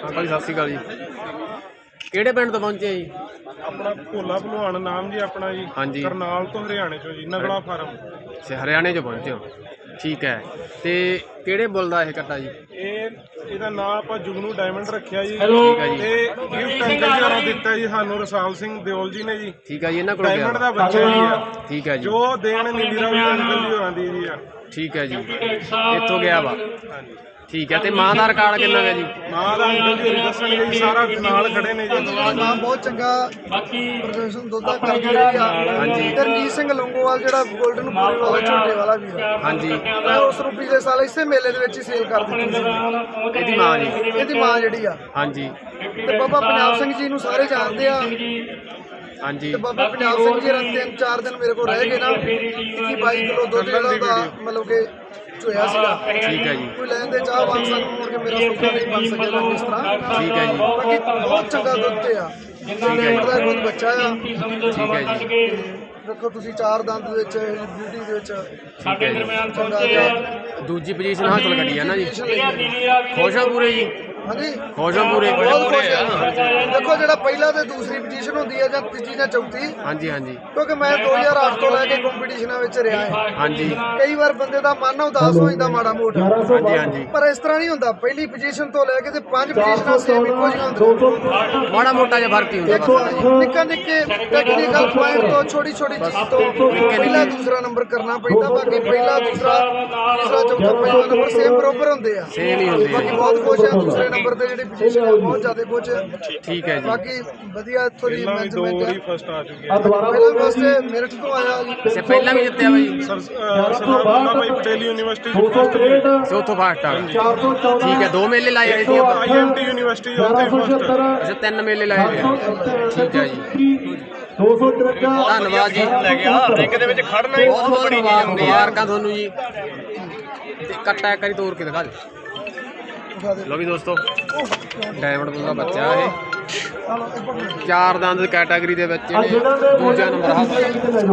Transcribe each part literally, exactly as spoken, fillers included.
Uncle ਸਤਿ ਸ਼੍ਰੀ ਅਕਾਲ ਜੀ। ਕਿਹੜੇ ਪਿੰਡ ਤੋਂ ਪਹੁੰਚੇ ਜੀ? ਆਪਣਾ ਭੋਲਾ ਭਲਵਾਨ ਨਾਮ ਜੀ ਆਪਣਾ ਜੀ। ਹਾਂਜੀ। ਕਰਨਾਲ ਤੋਂ ਹਰਿਆਣੇ ਚੋਂ ਜੀ, ਨਗਲਾ ਫਾਰਮ। ਅੱਛਾ, ਹਰਿਆਣੇ 'ਚ ਪਹੁੰਚੇ ਹੋ, ਠੀਕ ਹੈ। ਤੇ ਕਿਹੜੇ ਬੁੱਲ ਦਾ ਇਹ ਕੱਟਾ ਜੀ? ਇਹ ਇਹਦਾ ਨਾਮ ਆਪਾਂ ਜੁਗਨੂ ਡਾਇਮੰਡ ਰੱਖਿਆ ਜੀ। ਠੀਕ ਹੈ ਜੀ। ਤੇ ਗਿਫਟ ਅੰਕਲ ਜੀ ਹੋਰਾਂ ਦਿੱਤਾ ਜੀ ਸਾਨੂੰ, ਰਸਾਲ ਸਿੰਘ ਦਿਓਲ ਜੀ ਨੇ ਜੀ। ਠੀਕ ਹੈ ਜੀ, ਇਹਨਾਂ ਕੋਲ ਗਿਆ ਡਾਇਮੰਡ ਦਾ ਬੱਚਾ ਜੀ ਆ। ਠੀਕ ਹੈ ਜੀ। ਜੋ ਦੇਣ ਨੀਲੀ ਰਾਵੀ ਅੰਕਲ ਜੀ ਹੋਰਾਂ ਦੀ ਜੀ ਆ। ਠੀਕ ਹੈ ਜੀ, ਇੱਥੋਂ ਗਿਆ ਵਾ। ਹਾਂਜੀ। ਠੀਕ ਹੈ। ਤੇ ਮਾਂ ਦਾ ਰਿਕਾਰਡ ਕਿੰਨਾ ਹੈ ਜੀ? ਮਾਂ ਦਾ ਅੰਕਲ ਜੀ ਹੋਰੀ ਦੱਸਣਗੇ ਜੀ, ਸਾਰਾ ਨਾਲ ਖੜੇ ਨੇ ਜੀ। ਮਾਂ ਬਹੁਤ ਚੰਗਾ ਪ੍ਰਦਰਸ਼ਨ ਦੁੱਧਾ ਕਰਦੀ ਰਹੀ ਆ। ਹਾਂਜੀ। ਤੇ ਰਣਜੀਤ ਸਿੰਘ ਲੰਗੋਵਾਲ ਜਿਹੜਾ 골ਡਨ ਪੂਰੇ ਵਾਲਾ ਝੋਟੇ ਵਾਲਾ ਵੀਰ ਆ, ਹਾਂਜੀ। ਮੈਂ ਉਸ ਨੂੰ ਪਿਛਲੇ ਸਾਲ ਇਸੇ ਮੇਲੇ ਦੇ ਵਿੱਚ ਹੀ ਸੇਲ ਕਰ ਦਿੱਤੀ ਸੀ। ਇਹਦੀ ਮਾਂ ਜੀ? ਇਹਦੀ ਮਾਂ ਜਿਹੜੀ ਆ। ਹਾਂਜੀ। ਤੇ ਬਾਬਾ ਪੰਜਾਬ ਸਿੰਘ ਜੀ ਨੂੰ ਸਾਰੇ ਜਾਣਦੇ ਆ। ਹਾਂਜੀ। ਤੇ ਬਾਬਾ ਪੰਜਾਬ ਸਿੰਘ ਜੀ ਰਾਂ ਤਿੰਨ ਚਾਰ ਦਿਨ ਮੇਰੇ ਕੋਲ ਰਹਿ ਗਏ ਨਾ, ਇੱਕੀ ਬਾਈ ਕਿਲੋ ਦੁੱਧ ਜਿਹੜਾ ਉਹਦਾ ਮਤਲਬ ਕਿ ਚੋਇਆ ਸੀਗਾ। ਠੀਕ ਹੈ ਜੀ। ਕੋਈ ਲੈਣ ਦੇ ਚਾਹ ਬਣ ਸਾਨੂੰ ਮੁੜ ਕੇ ਮੇਰਾ ਸੁੱਕਾ ਨਹੀਂ ਬਣ ਸਕਿਆ ਨਾ ਇਸ ਤਰ੍ਹਾਂ। ਠੀਕ ਹੈ ਜੀ। ਬਾਕੀ ਬਹੁਤ ਚੰਗਾ ਦੁੱਧ ਤੇ ਆ। ਡਾਇਮੰਡ ਦਾ ਖੁਦ ਬੱਚਾ ਆ। ਠੀਕ ਹੈ ਜੀ। ਤੇ ਦੇਖੋ ਤੁਸੀਂ ਚਾਰ ਦੰਦ ਦੇ ਵਿੱਚ ਬਿਊਟੀ ਦੇ ਵਿੱਚ ਠੀਕ ਹੈ ਜੀ। ਚੰਗਾ ਜਿਹਾ ਦੂਜੀ ਪੋਜੀਸ਼ਨ ਹਾਸਲ ਕਰੀ ਹੈ ਨਾ ਜੀ। ਖੁਸ਼ ਹੋ ਪੂਰੇ ਜੀ? ਹਾਂਜੀ, ਖੁਸ਼ ਹੋ ਪੂਰੇ? ਬਹੁਤ ਖੁਸ਼ ਆ। ਦੇਖੋ ਜਿਹੜਾ ਪਹਿਲਾ ਤੇ ਦੂਸਰੀ ਪੋਜੀਸ਼ਨ ਹੁੰਦੀ ਹੈ ਜਾਂ ਤੀਜੀ ਜਾਂ ਚੌਥੀ, ਹਾਂਜੀ ਹਾਂਜੀ ਕਿਉਂਕਿ ਮੈਂ ਦੋ ਹਜ਼ਾਰ ਅੱਠ ਤੋਂ ਲੈ ਕੇ ਕੰਪੀਟੀਸ਼ਨਾਂ ਵਿੱਚ ਰਿਹਾ ਹਾਂ। ਹਾਂਜੀ ਕਈ ਵਾਰ ਬੰਦੇ ਦਾ ਮਨ ਉਦਾਸ ਹੋ ਜਾਂਦਾ ਮਾੜਾ ਮੋਟਾ, ਹਾਂਜੀ ਹਾਂਜੀ। ਪਰ ਇਸ ਤਰ੍ਹਾਂ ਨਹੀਂ ਹੁੰਦਾ। ਪਹਿਲੀ ਪੋਜੀਸ਼ਨ ਤੋਂ ਲੈ ਕੇ ਤੇ ਪੰਜ ਪੋਜੀਸ਼ਨਾਂ ਸੇਮ ਇੱਕੋ ਜਿਹੀਆਂ ਹੁੰਦੀਆਂ। ਮਾੜਾ ਮੋਟਾ ਜਿਹਾ ਫਰਕ ਹੀ ਹੁੰਦਾ ਦੇਖੋ ਬਸ ਨਾ ਜੀ। ਨਿੱਕਾ ਨਿੱਕੇ ਟੈਕਨੀਕਲ ਪੁਆਇੰਟ ਤੋਂ ਛੋਟੀ ਛੋਟੀ ਚੀਜ਼ ਤੋਂ ਪਹਿਲਾ ਦੂਸਰਾ ਨੰਬਰ ਕਰਨਾ ਪੈਂਦਾ। ਬਾਕੀ ਪਹਿਲਾ ਦੂਸਰਾ ਤੀਸਰਾ ਚੌਥਾ ਪੰਜਵਾਂ ਨੰਬਰ ਸੇਮ ਬਰਾਬਰ ਹੁੰਦੇ ਆ। ਸੇਮ ਹੀ ਹੁੰਦੇ ਬਾਕੀ ਆ। ਬਹੁਤ ਖੁਸ਼ ਆ ਦੂਸਰੇ ਨੰਬਰ ਤੇ ਜਿਹੜੀ ਪੋਜੀਸ਼ਨ ਆ, ਬਹੁਤ ਜ਼ਿਆਦਾ ਖੁਸ਼ ਆ। ਠੀਕ ਹੈ ਜੀ। ਬਾਕੀ ਵਧੀਆ ਇੱਥੋਂ ਦੀ ਪਹਿਲਾਂ ਵੀ ਦੋ ਮੈਨੇਜਮੈਂਟ ਵਾਰੀ ਆ। ਫਸਟ ਆ ਚੁੱਕੇ ਆ। ਪਹਿਲਾਂ ਵਾਸਤੇ ਮੇਰਠ ਤੋਂ ਆਇਆ ਜੀ। ਅੱਛਾ, ਪਹਿਲਾਂ ਵੀ ਜਿੱਤਿਆ ਵਾ ਜੀ? ਸਰ ਅਹ ਸਰਦਾਰ ਵੱਲਾ ਭਾਈ ਪਟੇਲ ਯੂਨੀਵਰਸਿਟੀ ਫਸਟ ਜੀ। ਸੇ ਉੱਥੋਂ ਫਸਟ ਆ? ਠੀਕ ਹੈ। ਦੋ ਮੇਲੇ ਲਾਏ ਹੋਏ ਸੀ ਆਪਾਂ? ਆਈ ਐਮ ਟੀ ਯੂਨੀਵਰਸਿਟੀ ਉੱਥੇ ਫਸਟ। ਅੱਛਾ, ਤਿੰਨ ਮੇਲੇ ਲਾਏ ਹੋਏ ਆ। ਠੀਕ ਹੈ ਜੀ। ਧੰਨਵਾਦ ਜੀ। ਲੈ ਗਿਆ ਰਿੰਗ ਦੇ ਵਿੱਚ ਖੜਨਾ ਹੀ ਬਹੁਤ ਬਹੁਤ ਮੁਬਾਰਕ ਮੁਬਾਰਕਾਂ ਤੁਹਾਨੂੰ ਜੀ। ਤੇ ਕੱਟਾ ਇੱਕ ਵਾਰੀ ਤੋੜ ਕੇ ਦਿਖਾ ਦਿਓ। ਲਓ ਵੀ ਦੋਸਤੋ, ਡਾਇਮੰਡ ਬੁੱਲ ਦਾ ਬੱਚਾ ਇਹ ਚਾਰ ਦੰਦ ਕੈਟਾਗਰੀ ਦੇ ਵਿੱਚ ਇਹਨੇ ਦੂਜਾ ਨੰਬਰ ਹਾਸਲ ਕੀਤਾ।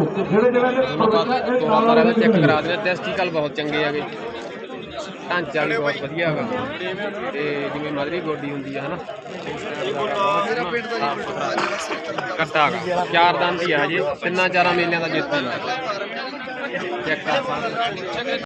ਦੋਨਾਂ ਬਾਰਾਂ ਵਿੱਚ ਚੈੱਕ ਕਰਾ ਦਿੰਦੇ। ਟੈਸਟੀਕਲ ਬਹੁਤ ਚੰਗੇ ਹੈਗੇ, ਢਾਂਚਾ ਵੀ ਬਹੁਤ ਵਧੀਆ ਹੈਗਾ, ਤੇ ਜਿਵੇਂ ਮਧਰੀ ਗੋਡੀ ਹੁੰਦੀ ਆ ਹਨਾ, ਕੱਟਾ ਹੈਗਾ। ਚਾਰ ਦੰਦ ਹੀ ਆ ਹਜੇ, ਤਿੰਨਾਂ ਚਾਰਾਂ ਮੇਲਿਆਂ ਦਾ ਜੇਤੂ ਚੈੱਕ ਕਰ ਸਕਦੇ।